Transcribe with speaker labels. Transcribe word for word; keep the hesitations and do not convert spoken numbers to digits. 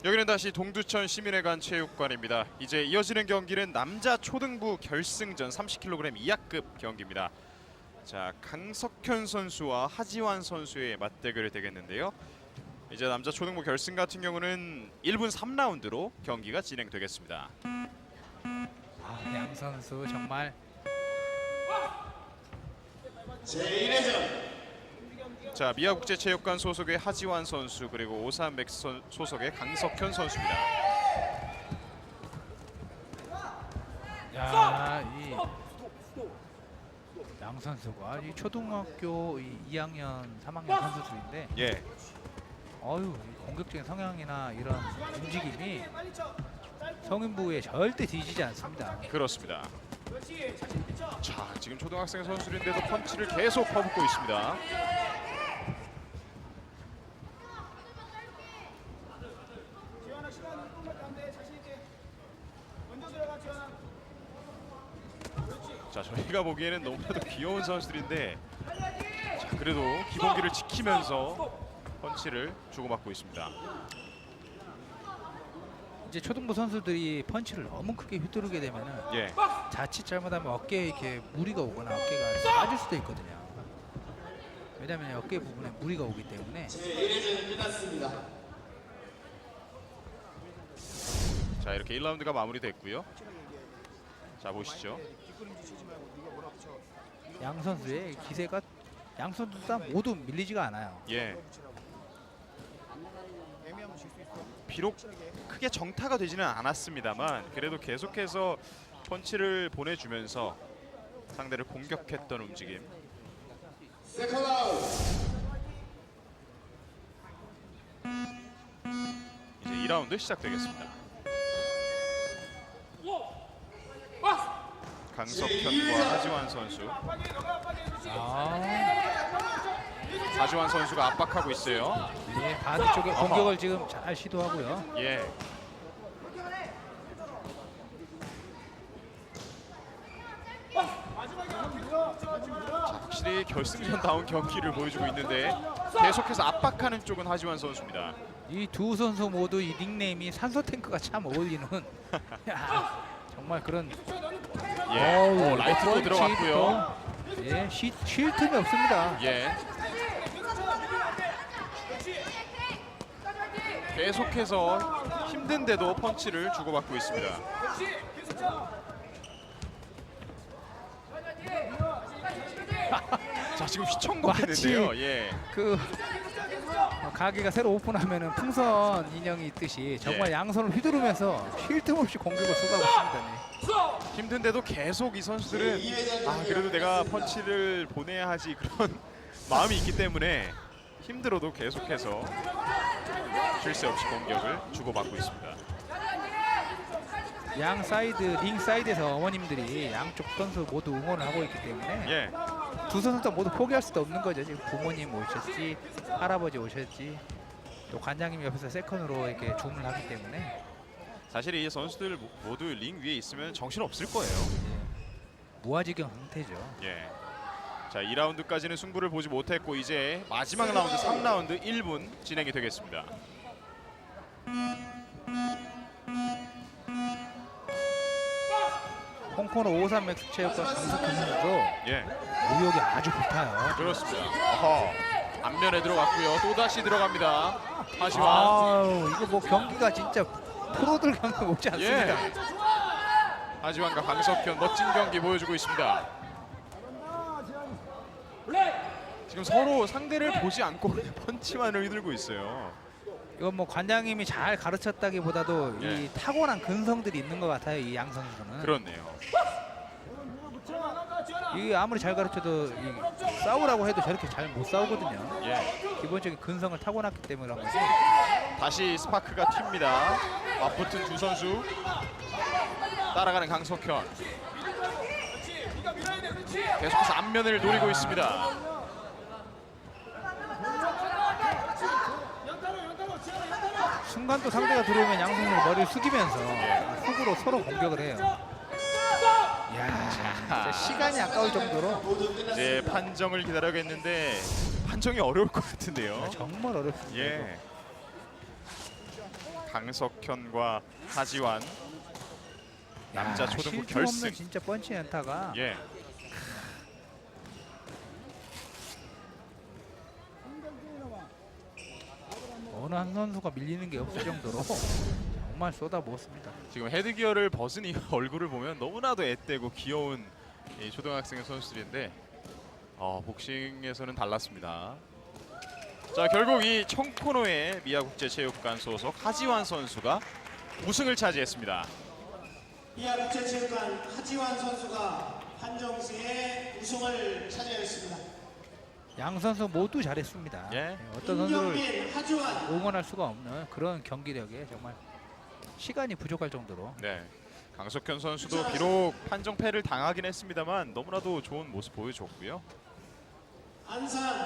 Speaker 1: 여기는 다시 동두천 시민회관 체육관입니다. 이제 이어지는 경기는 남자 초등부 결승전 삼십 킬로그램 이하급 경기입니다. 자, 강석현 선수와 하지환 선수의 맞대결이 되겠는데요. 이제 남자 초등부 결승 같은 경우는 일 분 삼 라운드로 경기가 진행되겠습니다.
Speaker 2: 아, 양 선수 정말
Speaker 3: 제일 회전.
Speaker 1: 자, 미아국제체육관 소속의 하지환 선수 그리고 오사한맥스 소속의 강석현 선수입니다.
Speaker 2: 야, 이 양 선수가 이 초등학교 이 이 학년, 삼 학년 선수들인데,
Speaker 1: 예,
Speaker 2: 어유 공격적인 성향이나 이런 움직임이 성인부에 절대 뒤지지 않습니다.
Speaker 1: 그렇습니다. 자, 지금 초등학생 선수인데도 펀치를 계속 퍼붓고 있습니다. 자, 저희가 보기에는 너무나도 귀여운 선수들인데, 자, 그래도 기본기를 지키면서 펀치를 주고받고 있습니다.
Speaker 2: 이제 초등부 선수들이 펀치를 너무 크게 휘두르게 되면은
Speaker 1: 예,
Speaker 2: 자칫 잘못하면 어깨에 이렇게 무리가 오거나 어깨가 빠질 수도 있거든요. 왜냐하면 어깨 부분에 무리가 오기 때문에.
Speaker 3: 제일 회전이 끝났습니다.
Speaker 1: 자, 이렇게 일 라운드가 마무리됐고요. 자, 보시죠.
Speaker 2: 양 선수의 기세가 양 선수 다 모두 밀리지가 않아요.
Speaker 1: 예. 비록 크게 정타가 되지는 않았습니다만 그래도 계속해서 펀치를 보내주면서 상대를 공격했던 움직임.
Speaker 3: 세컨 아웃.
Speaker 1: 이제 이 라운드 시작되겠습니다. 강석현과 하지환 선수.
Speaker 2: 아,
Speaker 1: 하지환 선수가 압박하고 있어요.
Speaker 2: 예, 바디 쪽에 공격을 지금 잘 시도하고요.
Speaker 1: 예. 자, 확실히 결승전다운 경기를 보여주고 있는데 계속해서 압박하는 쪽은 하지환 선수입니다.
Speaker 2: 이 두 선수 모두 이 닉네임이 산소 탱크가 참 어울리는 야, 정말 그런.
Speaker 1: 예.
Speaker 2: 어우,
Speaker 1: 오, 라이트로
Speaker 2: 펀치
Speaker 1: 들어갔고요.
Speaker 2: 또, 예, 쉬, 쉴 틈이 없습니다.
Speaker 1: 예. 계속해서 힘든데도 펀치를 주고받고 있습니다. 자, 지금 휘청거리는데요. 예.
Speaker 2: 그 어, 가게가 새로 오픈하면은 풍선 인형이 있듯이 정말
Speaker 1: 예.
Speaker 2: 양손을 휘두르면서 쉴 틈 없이 공격을 쏟아고 있습니다. 네.
Speaker 1: 힘든데도 계속 이 선수들은 아, 그래도 내가 펀치를 보내야 하지 그런 마음이 있기 때문에 힘들어도 계속해서 쉴 새 없이 공격을 주고받고 있습니다.
Speaker 2: 양 사이드 링 사이드에서 어머님들이 양쪽 선수 모두 응원을 하고 있기 때문에
Speaker 1: 예.
Speaker 2: 두 선수 다 모두 포기할 수도 없는 거죠. 지금 부모님 오셨지, 할아버지 오셨지, 또 관장님 옆에서 세컨으로 이렇게 주문을 하기 때문에
Speaker 1: 사실 이 선수들 모두 링 위에 있으면 정신 없을 거예요.
Speaker 2: 무아지경 상태죠.
Speaker 1: 예. 자, 이 라운드까지는 승부를 보지 못했고 이제 마지막 라운드 삼 라운드 일 분 진행이 되겠습니다.
Speaker 2: 홍코너 오삼 맥스 체육관 강석현 선수도
Speaker 1: 예.
Speaker 2: 무역이 아주 불타요.
Speaker 1: 그렇습니다. 어허. 앞면에 들어갔고요. 또다시 들어갑니다. 하지환.
Speaker 2: 아우, 이거 뭐 경기가 진짜 프로들 경기 못지 않습니다.
Speaker 1: 예. 하지환과 강석현 멋진 경기 보여주고 있습니다. 지금 서로 상대를 보지 않고 펀치만을 휘둘고 있어요.
Speaker 2: 이건 뭐 관장님이 잘 가르쳤다기보다도
Speaker 1: 예.
Speaker 2: 이 타고난 근성들이 있는 것 같아요. 이 양 선수는.
Speaker 1: 그렇네요.
Speaker 2: 이 아무리 잘 가르쳐도 이 싸우라고 해도 저렇게 잘 못 싸우거든요.
Speaker 1: 예.
Speaker 2: 기본적인 근성을 타고났기 때문에 그런 거지.
Speaker 1: 다시 스파크가 튑니다. 맞붙은 두 선수. 따라가는 강석현. 계속해서 앞면을 노리고 있습니다.
Speaker 2: 순간 또 상대가 들어오면 양 선수 머리를 숙이면서 훅으로 서로 공격을 해요. 이야, 진짜 시간이 아까울 정도로
Speaker 1: 이제 판정을 기다려야겠는데 판정이 어려울 것 같은데요.
Speaker 2: 정말 어렵습니다.
Speaker 1: 예. 강석현과 하지완 남자
Speaker 2: 야,
Speaker 1: 초등부
Speaker 2: 실점
Speaker 1: 결승.
Speaker 2: 없는 진짜 펀치 연타가
Speaker 1: 예.
Speaker 2: 어느 한 선수가 밀리는 게 없을 정도로 정말 쏟아부었습니다.
Speaker 1: 지금 헤드기어를 벗은 이 얼굴을 보면 너무나도 앳되고 귀여운 이 초등학생 선수들인데 어, 복싱에서는 달랐습니다. 자, 결국 이 청코노의 미야국제체육관 소속 하지완 선수가 우승을 차지했습니다.
Speaker 3: 이하국제체육관 하지완 선수가 판정승의 우승을 차지하였습니다.
Speaker 2: 양 선수 모두 잘했습니다.
Speaker 1: 예.
Speaker 2: 네, 어떤 선수를
Speaker 3: 김경민, 하지완.
Speaker 2: 응원할 수가 없는 그런 경기력에 정말 시간이 부족할 정도로
Speaker 1: 네. 강석현 선수도 비록 판정패를 당하긴 했습니다만 너무나도 좋은 모습 보여줬고요.
Speaker 3: 안산